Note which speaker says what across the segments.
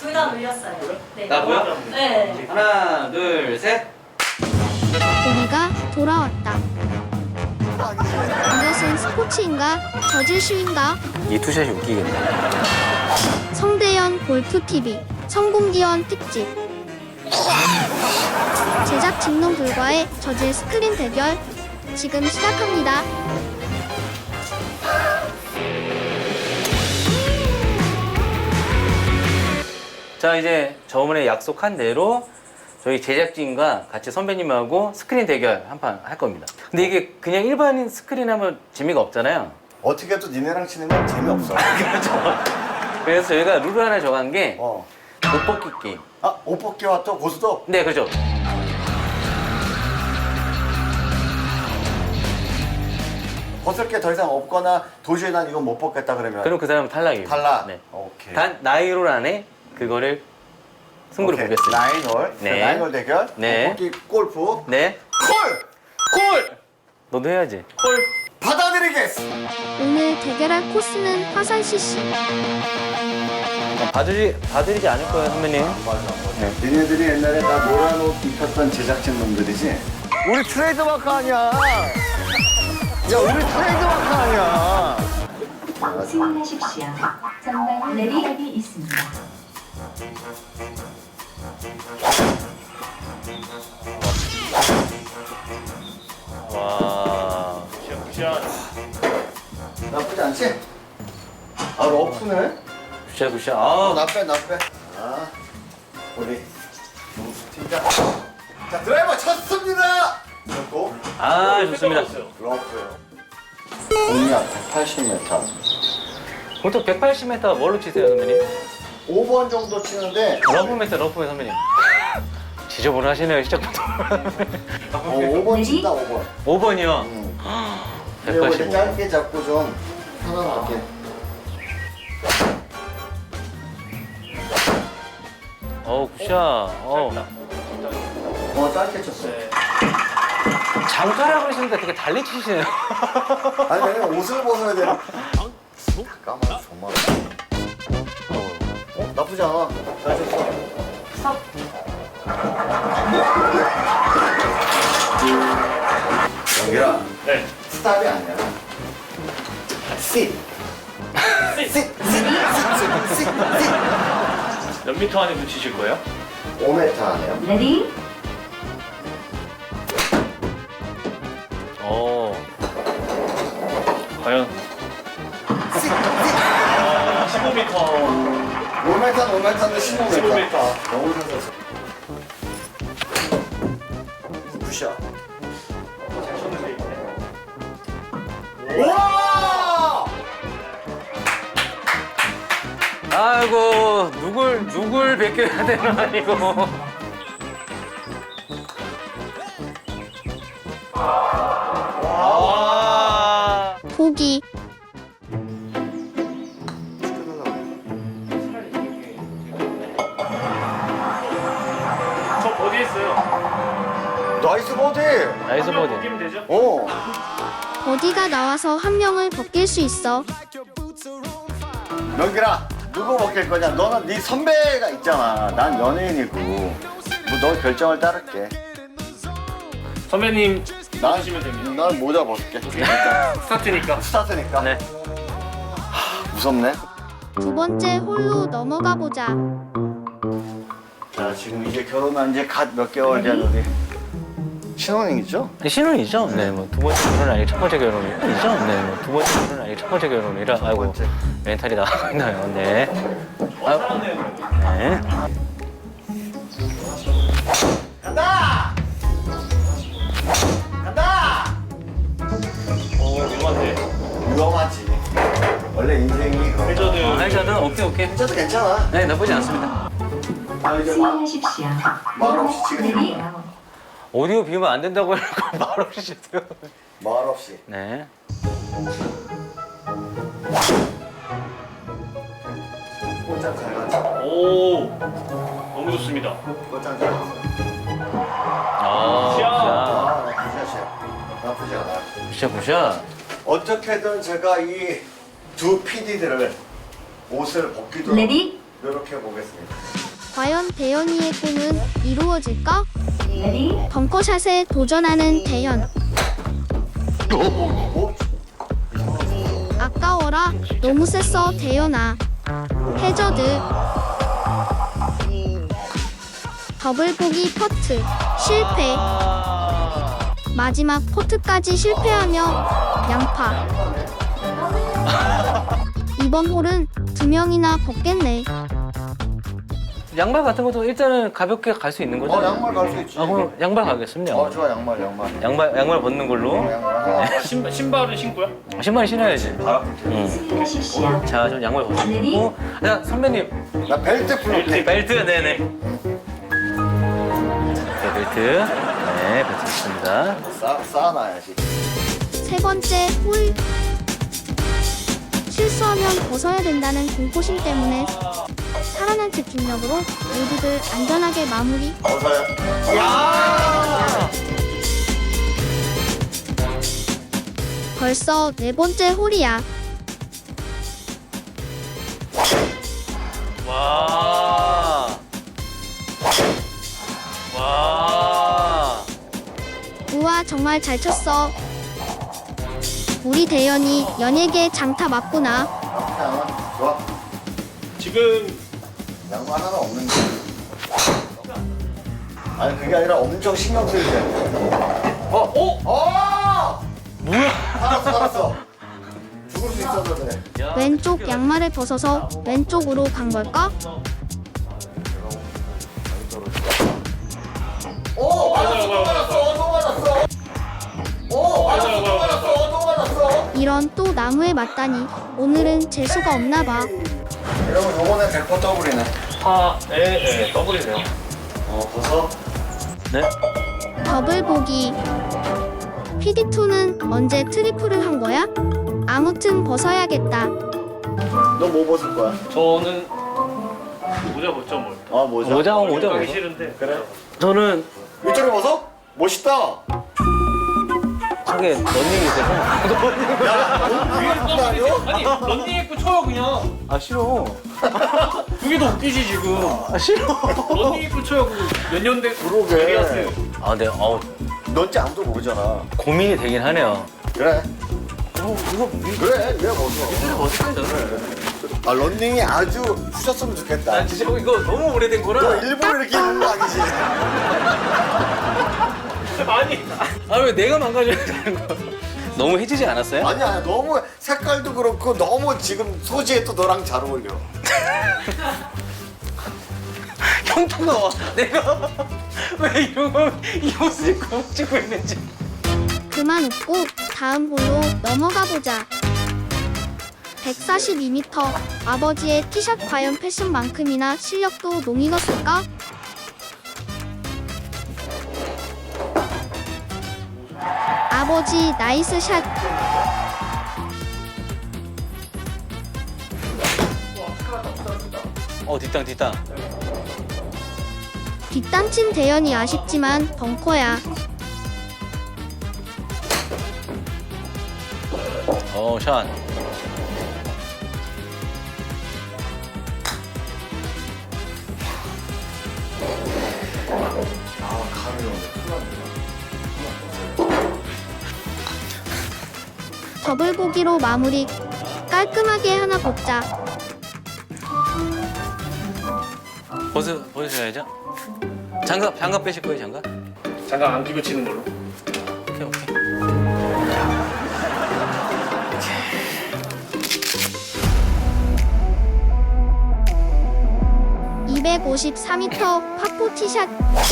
Speaker 1: 둘 다 물렸어요. 네.
Speaker 2: 나 뭐야?
Speaker 1: 네.
Speaker 2: 하나, 둘, 셋.
Speaker 3: 우리가 돌아왔다. 이것은 스포츠인가? 저질슈인가?
Speaker 2: 이 투샷이 웃기겠네.
Speaker 3: 성대현 골프TV 성공기원 특집 제작 직농 불과의 저질 스크린 대결 지금 시작합니다.
Speaker 2: 자, 이제 저번에 약속한 대로 저희 제작진과 같이 선배님하고 스크린 대결 한 판 할 겁니다. 근데 이게 그냥 일반인 스크린 하면 재미가 없잖아요.
Speaker 4: 어떻게 해도 니네랑 치는 건 재미없어.
Speaker 2: 그래서 저희가 룰을 하나 정한 게
Speaker 4: 어.
Speaker 2: 옷벗기 게임.
Speaker 4: 아, 옷벗기와 또 고수도?
Speaker 2: 네, 그렇죠.
Speaker 4: 벗을 게 더 이상 없거나 도저히 난 이건 못 벗겠다 그러면
Speaker 2: 그럼 그 사람은 탈락이에요.
Speaker 4: 탈락?
Speaker 2: 네.
Speaker 4: 오케이.
Speaker 2: 단 나이롤 안에 그거를 승부를
Speaker 4: 오케이.
Speaker 2: 보겠습니다.
Speaker 4: 나인홀.
Speaker 2: 네.
Speaker 4: 나인홀 대결.
Speaker 2: 네.
Speaker 4: 옷벗기 골프.
Speaker 2: 네.
Speaker 4: 콜!
Speaker 2: 콜! 너도 해야지. 콜!
Speaker 4: 받아드리겠어.
Speaker 3: 오늘 대결할 코스는 화산 CC.
Speaker 2: 봐드리지 않을 거예요, 선배님. 네.
Speaker 4: 니네들이 옛날에 나 노란 옷 입혔던 제작진 놈들이지? 우리 트레이드마크 아니야. 야, 우리 트레이드마크 아니야.
Speaker 5: 승인하십시오. 전방 내리막이 있습니다.
Speaker 2: 와.
Speaker 4: 나쁘지 않지? 아, 러프네?
Speaker 2: 굿샷. 아,
Speaker 4: 나 빼. 아, 우리 팀장. 자, 드라이버 쳤습니다! 그리고
Speaker 2: 아, 좋습니다.
Speaker 4: 러프요. 공략 180m.
Speaker 2: 보통 180m 뭘로 치세요, 선배님?
Speaker 4: 5번 정도 치는데
Speaker 2: 러프메터, 선배님. 지저분을 하시네요, 시작부터.
Speaker 4: 5번 친다, 5번.
Speaker 2: 5번이요.
Speaker 4: 근데 이거 이렇게
Speaker 2: 185.
Speaker 4: 짧게 잡고 좀 편안하게.
Speaker 2: 굿샷.
Speaker 4: 짧게 쳤어.
Speaker 2: 장타라고 그러시니까 되게 달리 치시네요.
Speaker 4: 아니, 왜냐면 옷을 벗어야 돼. 잠깐만, 정말. 나쁘지 않아. 잘 쳤어. 영기라.
Speaker 6: 네.
Speaker 4: 스탑이 아니야. 씩.
Speaker 6: 몇 미터 안에 붙이실 거예요?
Speaker 4: 5m 안에요.
Speaker 5: 레디
Speaker 6: 과연 15m.
Speaker 4: 5m는 15m.
Speaker 6: 15m.
Speaker 4: 너무 사서. 굿샷.
Speaker 6: 잘 쳤는데 이번에.
Speaker 4: 와!
Speaker 2: 아이고, 누굴 베껴야 되나, 이거. 와.
Speaker 3: 보기.
Speaker 6: 저 버디 했어요.
Speaker 4: 나이스 버디.
Speaker 2: 나이스
Speaker 6: 한명
Speaker 2: 버디.
Speaker 6: 벗기면 되죠?
Speaker 3: 버디가 나와서 한 명을 벗길 수 있어.
Speaker 4: 명기라, 누구 먹힐 거냐? 너는 네 선배가 있잖아. 난 연예인이고. 뭐 너 결정을 따를게.
Speaker 6: 선배님
Speaker 4: 난,
Speaker 6: 벗으시면 됩니다.
Speaker 4: 난 모자 벗을게.
Speaker 6: 스타트니까.
Speaker 4: 스타트니까.
Speaker 2: 네.
Speaker 4: 무섭네.
Speaker 3: 두 번째 홀로 넘어가 보자.
Speaker 4: 자, 지금 이제 결혼한 지 갓 몇 개월 된 우리 신혼이죠?
Speaker 2: 신혼이죠? 네, 뭐 두 번째 결혼 아니고 첫 번째 결혼이죠? 네, 뭐 두 번째 결혼 아니고 첫 번째 결혼이라 아이고
Speaker 4: 번째.
Speaker 2: 멘탈이 나가나요? 네. 네.
Speaker 4: 간다! 간다!
Speaker 6: 위험한데.
Speaker 4: 위험하지. 원래 인생이
Speaker 6: 해저드.
Speaker 2: 알자든 오케이.
Speaker 4: 진짜도 괜찮아.
Speaker 2: 네, 나쁘지 않습니다.
Speaker 4: 아, 이제
Speaker 5: 승인하십시오.
Speaker 4: 말 없이
Speaker 5: 레디
Speaker 4: 치겠습니다.
Speaker 2: 오디오 비우면 안 된다고 해놓고 말없이 주세요.
Speaker 4: 말 없이.
Speaker 2: 네.
Speaker 4: 꽃장 잘 갔어.
Speaker 6: 오. 너무 좋습니다.
Speaker 4: 꽃장 잘 갔어.
Speaker 2: 아,
Speaker 4: 아, 나쁘지 않아.
Speaker 2: 굿샷.
Speaker 4: 어떻게든 제가 이 두 PD들을 옷을 벗기도록
Speaker 5: 레디
Speaker 4: 노력해보겠습니다.
Speaker 3: 과연 대현이의 꿈은 이루어질까?
Speaker 5: 레디
Speaker 3: 벙커샷에 도전하는 대현. 아까워라. 너무 셌어 대현아. 해저드. 더블 보기 퍼트. 실패. 마지막 퍼트까지 실패하며 양파. 이번 홀은 2명이나 걷겠네.
Speaker 2: 양말 같은 것도 일단은 가볍게 갈 수 있는 거죠?
Speaker 4: 양말 갈 수 있지.
Speaker 2: 그럼 양말 가겠습니다.
Speaker 4: 좋아, 양말.
Speaker 2: 양말 벗는 걸로.
Speaker 4: 양말.
Speaker 6: 신발은 신고요?
Speaker 2: 신발 신어야지.
Speaker 5: 승인하십시오.
Speaker 2: 자, 좀 양말 벗고. 자, 선배님.
Speaker 4: 나 벨트 풀었네.
Speaker 2: 벨트, 네네. 네, 벨트. 네, 벨트 있습니다.
Speaker 4: 쌓아놔야지.
Speaker 3: 세 번째 홀. 실수하면 벗어야 된다는 공포심 때문에 살아난 집중력으로 모두들 안전하게 마무리. 벌써 네 번째 홀이야.
Speaker 2: 와. 와.
Speaker 3: 우와 정말 잘 쳤어. 우리 대현이 연예계 장타 맞구나.
Speaker 4: 좋아.
Speaker 6: 지금
Speaker 4: 양말 하나 없는데. 아니 그게 아니라 엄청 신경 쓰이지.
Speaker 2: 뭐야?
Speaker 4: 알았어. 죽을 수 있어서 그래.
Speaker 3: 왼쪽 양말을 벗어서 왼쪽으로 간 걸까? 이런 또 나무에 맞다니 오늘은 재수가 없나 봐.
Speaker 4: 여러분 요번에 100% 더블이네.
Speaker 6: 네, 더블이네요.
Speaker 4: 벗어.
Speaker 2: 네.
Speaker 3: 더블 보기. PD2는 언제 트리플을 한 거야? 아무튼 벗어야겠다.
Speaker 4: 너 뭐 벗을 거야?
Speaker 6: 저는 모자 벗죠 뭘.
Speaker 2: 모자
Speaker 6: 가기
Speaker 2: 벗어.
Speaker 6: 싫은데.
Speaker 4: 그래?
Speaker 2: 저는
Speaker 4: 이쪽에 벗어? 멋있다.
Speaker 2: 저게 런닝이 있어서.
Speaker 6: 아니 런닝 입고 쳐요 그냥.
Speaker 2: 아, 싫어.
Speaker 6: 그게 더 웃기지 지금.
Speaker 2: 아, 싫어.
Speaker 6: 런닝 입고 쳐요 몇 년대
Speaker 4: 그러게.
Speaker 2: 아, 네.
Speaker 4: 넌지 아무도 모르잖아.
Speaker 2: 고민이 되긴 하네요.
Speaker 4: 그래.
Speaker 2: 이거
Speaker 4: 그래. 왜 벗어?
Speaker 2: 어떻게 저는?
Speaker 4: 아 런닝이 아주 푸셨으면 좋겠다.
Speaker 2: 난 진짜 이거 너무 오래된
Speaker 4: 너
Speaker 2: 거라.
Speaker 4: 일부러 이렇게 입는 거 아니지?
Speaker 6: 아니.
Speaker 2: 아, 왜 내가 망가져야 되는 거야? 너무 해지지 않았어요?
Speaker 4: 아니야. 너무 색깔도 그렇고 너무 지금 소지에 또 너랑 잘 어울려.
Speaker 2: 형통가 와. 내가 왜 이런 거 이 옷을 입고 찍고 있는지.
Speaker 3: 그만 웃고 다음 홀로 넘어가 보자. 142m. 아버지의 티샷 과연 패션만큼이나 실력도 농익었을까? 아버지 나이스 샷.
Speaker 2: 뒷땅.
Speaker 3: 뒷땅친 대현이 아쉽지만 벙커야.
Speaker 2: 샷.
Speaker 3: 더블 보기로 마무리. 깔끔하게 하나 걷자.
Speaker 2: 벗으셔야죠. 장갑 빼실 거예요, 장갑?
Speaker 6: 장갑 안 끼고 치는 걸로.
Speaker 2: 오케이.
Speaker 3: 254m 파포 티샷.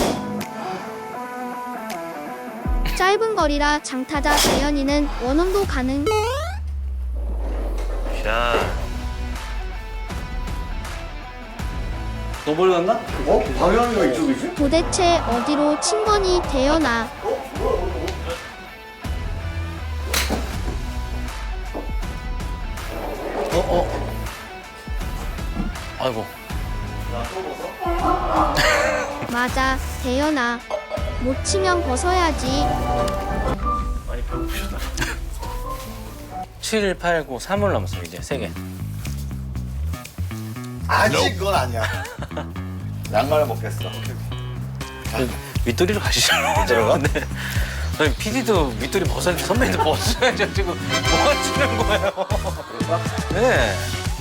Speaker 3: 짧은 거리라 장타자 대현이는 원홈도 가능.
Speaker 2: 샷. 더블 갔나?
Speaker 4: 방향이가 이쪽이지?
Speaker 3: 도대체 어디로 친 거니 대현아.
Speaker 2: 아이고.
Speaker 3: 맞아 대현아. 못 치면 벗어야지.
Speaker 6: 많이 배고프셨나?
Speaker 2: 7, 8, 9, 3을 남았어요, 이제 3개.
Speaker 4: 아직 그건 아니야. 양말을 먹겠어.
Speaker 2: 윗도리로 가시죠.
Speaker 4: 들어가?
Speaker 2: 네. 아니, PD도 윗도리 벗었는데 선배님도 벗어야죠. 지금 뭐 하시는 거예요?
Speaker 4: 그럴까?
Speaker 2: 네.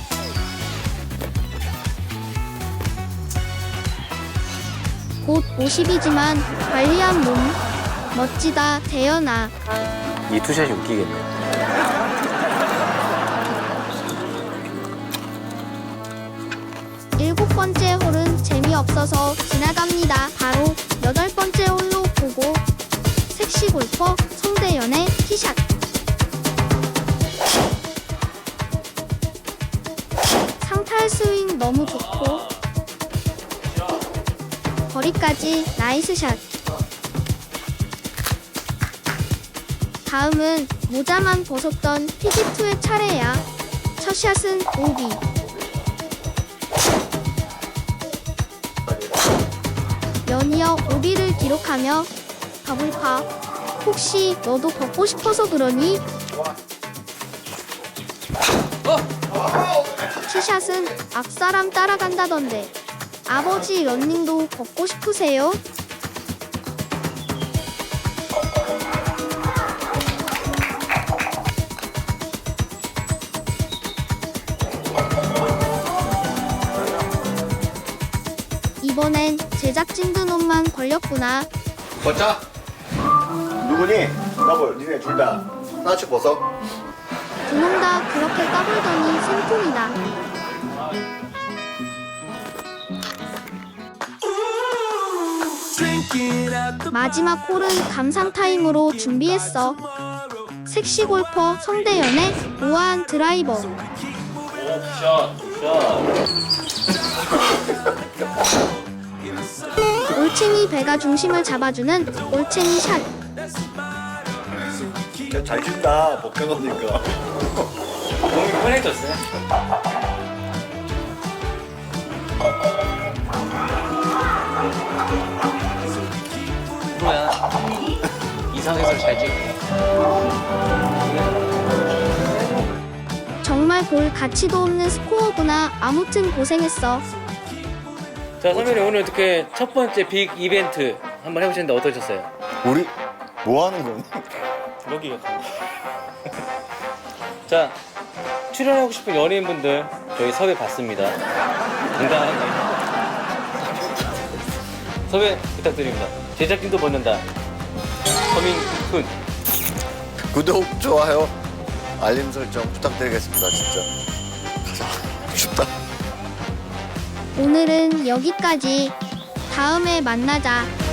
Speaker 3: 곧 50이지만 관리한 몸. 멋지다, 대현아.
Speaker 2: 이 투샷이 웃기겠네.
Speaker 3: 일곱 번째 홀은 재미없어서 지나갑니다. 바로 여덟 번째 홀로 보고 섹시 골퍼 송대연의 티샷. 상탈 스윙 너무 좋고 거리까지 나이스 샷. 다음은 모자만 벗었던 피지2의 차례야. 첫 샷은 오비. 연이어 오비를 기록하며 더블파. 혹시 너도 벗고 싶어서 그러니? 티샷은 앞사람 따라간다던데 아버지 런닝도 벗고 싶으세요? 이번엔 제작진들 옷만 걸렸구나.
Speaker 4: 벗자. 누구니? 더블. 니네 둘 다. 하나씩 벗어.
Speaker 3: 두 놈 다 그렇게 까불더니 생통이다. 마지막 홀은 감상 타임으로 준비했어. 섹시 골퍼 성대연의 우아한 드라이버.
Speaker 2: 샷, 샷.
Speaker 3: 올챙이 배가 중심을 잡아주는 올챙이 샷.
Speaker 4: 야, 잘 친다. 벗겨놓으니까.
Speaker 2: 몸이 편해졌어요. 프로야. 이상해서 잘 찍고.
Speaker 3: 정말 볼 가치도 없는 스코어구나. 아무튼 고생했어.
Speaker 2: 자, 선배님 오늘 어떻게 첫 번째 빅 이벤트 한번 해보셨는데 어떠셨어요?
Speaker 4: 우리 뭐 하는 거니?
Speaker 2: 여기요. 자, 출연하고 싶은 연예인분들 저희 섭외 받습니다. 당당하게 섭외 부탁드립니다. 제작진도 벗는다. 커밍 쿤.
Speaker 4: 구독, 좋아요, 알림 설정 부탁드리겠습니다. 진짜. 가자. 춥다.
Speaker 3: 오늘은 여기까지. 다음에 만나자.